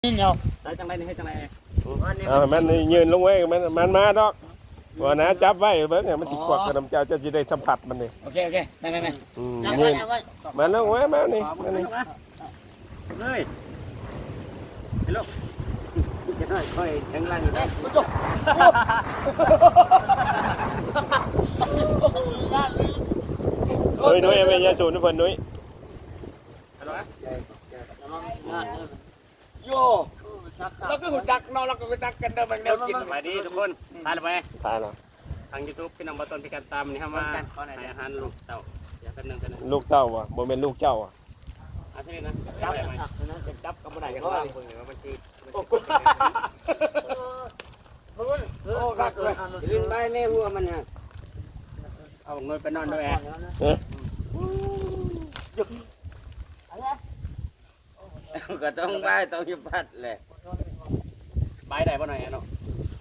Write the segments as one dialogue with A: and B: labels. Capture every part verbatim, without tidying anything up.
A: นี่เนาะ
B: ได้จังไรนี่ให้จังไร
C: เอามันยืนลงไว้มันมันมาดอกว่านะจับไว้เบิ่งมันสิควักกับน้ำเจ้าจะสิได้สัมผัสมันนี่
B: โอเคโอเคได้ไหมแม่
C: อืม
A: เอา
C: ยื
A: ไว้
C: น
A: เอาไว้
C: มันลงไว้มานี่มานี่
B: เลยเดี๋ยวลูกจะได้ค่อยแข็งแรงอยู่ได้จบ
C: เฮ้ยนุ้ยเอาไปยาสูบนะเพิ่นนุ้ย
B: โย่เราก็หุ่นจักเราเราก็หุ่นจักกันเดิมมันแนวกิน
D: สวัสดีทุกคนทานไป
C: ตายแล้ว
D: ทางยูทูบพี่น้องมาต้นพิการตามนี่เข้ามาให้อาหารลูกเต่าเดี๋ยวแป๊บนึงแป๊บนึง
C: ลูกเต้าว่ะบ่แม่นลูกเจ้าอ่ะ
D: อาทิตย์นะ
B: จั
D: จั
B: บบ
D: ได้ไหม
B: จับก็ไม่ได้ยังไงคนเนี่ยมันจีโอ้คักเลยลิ้นใบแม่หัวมันฮะ
D: เอาหน่วยไปนอนด้วยแอร์
C: เอ๊ะ
B: ก็ต้องใบต้องยุบพัดแหละ
D: ใบได้ป่ะหน่อยเนาะ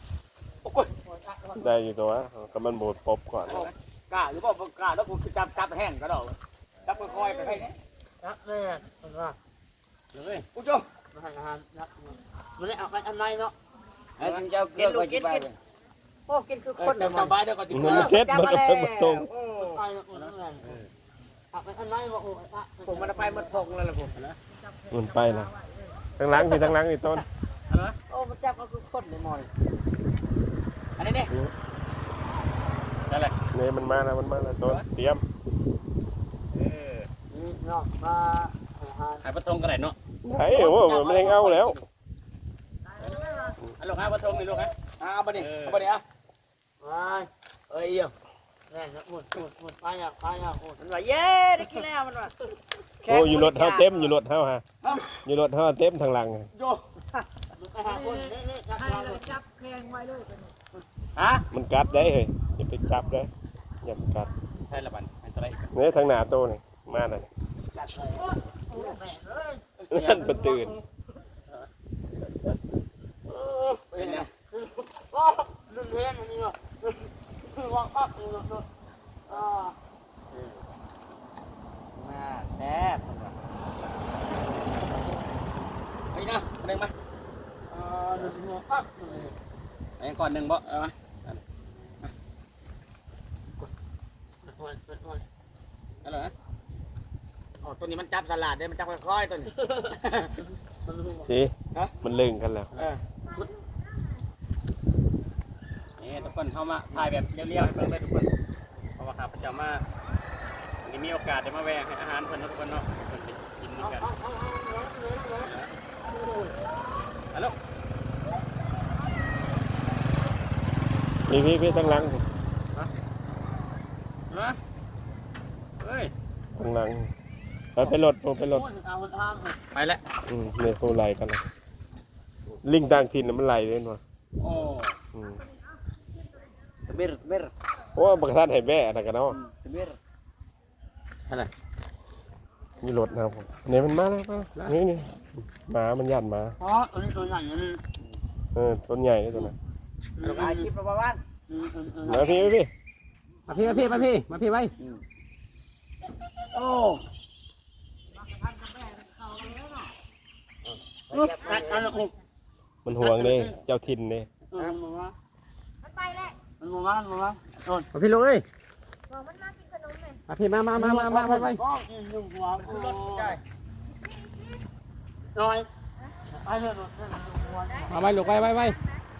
C: ได้อยู่ตัวก็มันโบดปบก่อน
B: กล้าหรือเปล่ากล้าแล้วกูจับจับแห้งก็ได้จับค่อยๆไปให้เนี่ย
A: รักแม่มันว่า
D: เลย
B: กูจ้
A: มันให้อาหารรักมันได้เอาไปอันไหนเนาะ
B: ไอ้คุณเจ้าเกลือก็จะไป
A: โอ้กินคือคน
B: จะสบายเดี๋ยวก็จะ
C: มันเซ็ตมันก็เพิ่งมาตรง
A: ไปแล้วคนนั้นเอาไปอันไหนวะโอ้
B: ผมมันไปมันพงแล้วล่ะผม
C: มันไปแล้วทั้งหลังนี่ทั้งหลังนี่ต้น
A: โอ้มันจับก็คือคนเลยมอย
B: อันนี้นี่
D: ได้เลย
C: นี่มันมาแล้วมันมาแล้วต้นเตรียม
D: เออ
A: นี่เนาะมาอาหาร
D: หายปะทงกันไหนเนาะ
C: ไหนโอ้มันยังเอาแล้ว
D: เอาลูกหายปะทงนี่ลูกฮะ
B: เอาไปดิเอาไปดิอ่ะ
A: ไป
B: เอ้ยเอี่ยม
A: แม่หมดหมดหมดไปอ่ะไปอ่ะโอ้
B: มันว่าเย้ได้กินแล้วมันว่า
C: โอ้อยู่รถเฮาเต็มอยู่รถเฮาฮะอยู่รถเฮาเต็มทางหลัง
B: โย
A: ไปหาคนนี่นี่จับจับแพงไว้เลย
D: ฮะ
C: มันกัดได้เฮ้ยอย่าไปจับได้อย่าไปกัด
D: ใช่ละบันให้ตัวไร
C: นี่ทางหน้าโตนี่มาน่ะ
A: แม่เลย
C: นั่นบ่ตื่น
B: เป็นไง
A: ว้าลุนเฮียนอันนี้ว่ะวางปั๊บนี่เนาะอ่า
B: มาแซ่บไปนะเดินมา
A: อ่าลุนเฮียนปั๊บ
D: ไอ้ก่อนหนึ่งบ่
B: เอามา
D: อะไรนะ
B: อ๋อตัวนี้มันจับสลัดได้มันจับค่อยๆตัวนี้
C: สิมันลึงกันแล้ว
B: เออ
D: นี่ทุกคนเข้ามาถ่ายแบบเรียวๆให้เพิ่นเลยทุกคนเพราะว่าข้าพเจ้ามาวันนี้มีโอกาสได้มาแวะให้อาหารเพิ่นทุกคนเนาะเพิ่นไปกินกันฮัลโหล
C: พี่พี่พี่ทางหลัง
D: ฮะเฮ้ย
C: ทางหลังไปไปรถไปรถ
D: ไปแล้ว
C: อืมเนี่ยเขาไล่กันนะลิงต่างถิ่นน่ะมันไล่เลยเนาะ
D: โอ้
C: อืม
B: ตะเบิดตะเบิด
C: โอ้บักท่านให้แม่อะไรกันเนาะ
B: ตะเบิด
D: อะไร
C: มีรถนะครับผมเนี่ยมันมาแล้วมาแล้วนี่นี่หมามันยันหมา
A: อ๋อตัวนี้ตัวใหญ่เลย
C: เออต้นใหญ่เลยตัวนั้น
B: ถ่ายคลิปประมาณ
C: มาพี่พี่
D: มาพี่มาพี่มาพี่มาพี่ไว้
B: โอ้
C: มันห่วงเลยเจ้าถิ่นเลย
E: มันไปแล้ว
A: มันมาบ้านมาบ้านโดน
D: มาพี่ลงเลย
E: บอกมันมากินขนมเลย
D: มาพี่มามามามามาไปไป
A: ก็กินอยู่หัวน้อยไปเถอะ
D: มาไปลูกไปไปไป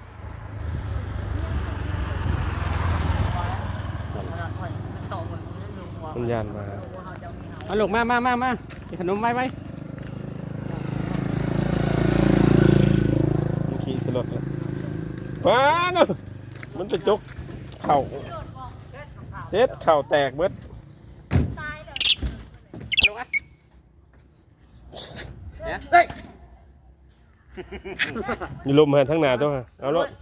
C: มันยันมา
D: มาลูกมามามามากินขนมไปไป
C: มันขี่สลดเลยว้าเนาะมันจะจกเข่าเซ็ตเข่าแตกเบิด
E: ตายเลย
D: ลูกอ่ะเนี่ย
B: เฮ้ย
C: มีลมมาทั้งหน้าตัวฮะเอารถ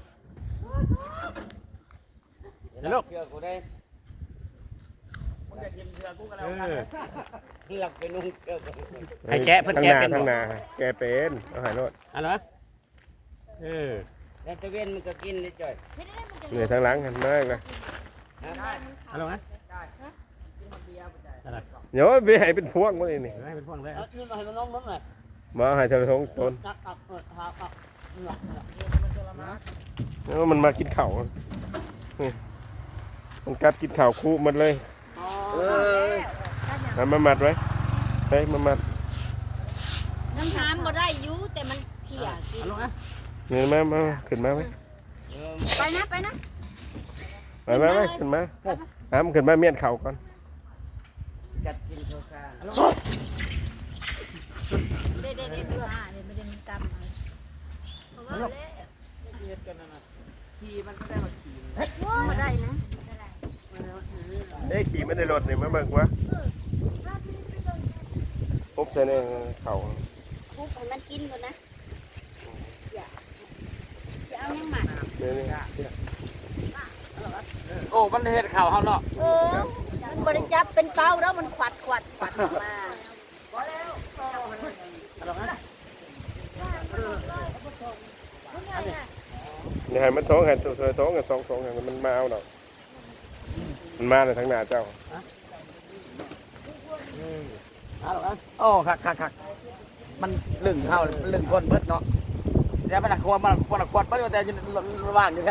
B: เดี๋ยวลูกเชื่อกูได้มึงจะกินเชื่อกูกันแล้วกันหลักเป็นนุ่งเชื่อกู
D: ไอ้แกะเพิ่น
C: ทั้ง
D: แกะ
C: หน้า
D: เป็น
C: ทั้งห
D: บ่
C: น้าแกเป็นเอาหายรถ
D: อะไรเออ
B: แล้วตะเวนมันก็กินได้จ่อย
E: ไม่ได้มันจะ
C: เหนื่อยทั้งหลังกันมากนะ
D: อะไรนะ
C: เดี๋ยวไปให้เป็นพวงมาเลยนี่
D: ให้เป็นพวงเลย
A: เอาขึ้นมาให้น้องๆหน่อย
C: มมาให้เธอทงต้น
A: จับอับเออหาอับเหนื่อยเหนื่อย
C: แล้วมันมากินข้าวนี่มันกัดกินข้าวคู่มันเลย
A: อ๋อ
B: เออ
C: เอามามัดไว้เฮ้ยมามัด
E: น้ำทามบ่ได้อยู่แต่มันเขี่ยกิน
D: เอาลงนะ
C: นี่มามาขึ้นมาไหม
E: ไปนะไปนะ
C: ไปมาไหมขึ้นมาอ้ามขึ้นมาเมียนเข่าก่อน
B: กัดกินโซกา
E: เด็ดเด็ดเด็ดไม่ว่าเด็ดไม่ได้มีกรรมอะไรเพราะว่าเละ
B: เฮ็ดกันนั่นน่ะขี่มันก็ได้มาขี่
E: บ่ได้นะ
C: เอ้ยขี่ไม่ได้รถนี่มาเบิ่งวะปุ๊บใส่ในเข่า
E: ปุ๊บให้มันกินก่อนนะอย่าอย่าเอายังหมัก
C: เนี่ยนี่
B: โอ้มันเฮ็ดข้าวเฮาเนาะ
E: เออมันบริจับเป็นเป้าแล้วมันขวัดขวัดขวัดออกมา
C: นี่ให้มันท้องให้ตัวท้องกับสองท้องให้มันมาเอาดอกมันมาในทางหน้าเจ้า
B: เอาละโอ้คักคักคักมันลึงเฮามันลึงคนเบิดเนาะเดี๋ยวมันน่ะควรมันควรควรเบิดแต่อยู่ระหว่างอยู่แค่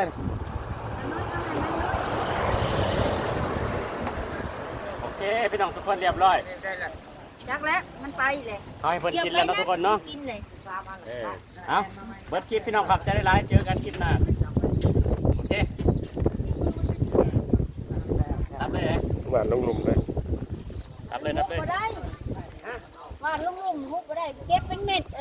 D: โอเคพี่น้องทุกคนเรียบร้อย
E: จักแล้วมันไปเลย
D: เอาให้เพิ่นกินแล้วเนาะทุกคนเนาะ
E: กินเลย
D: เออเอาเบิดคลิปพี่น้องครับจะได้ไลฟ์เจอกันคลิปหน้าโอเครับเลย
C: หวานลงหลุมเลย
D: รับเลยรับเลย
E: บ่ได้ว่าลุงๆฮุบบ่ได้เก็บเป็นเม็ด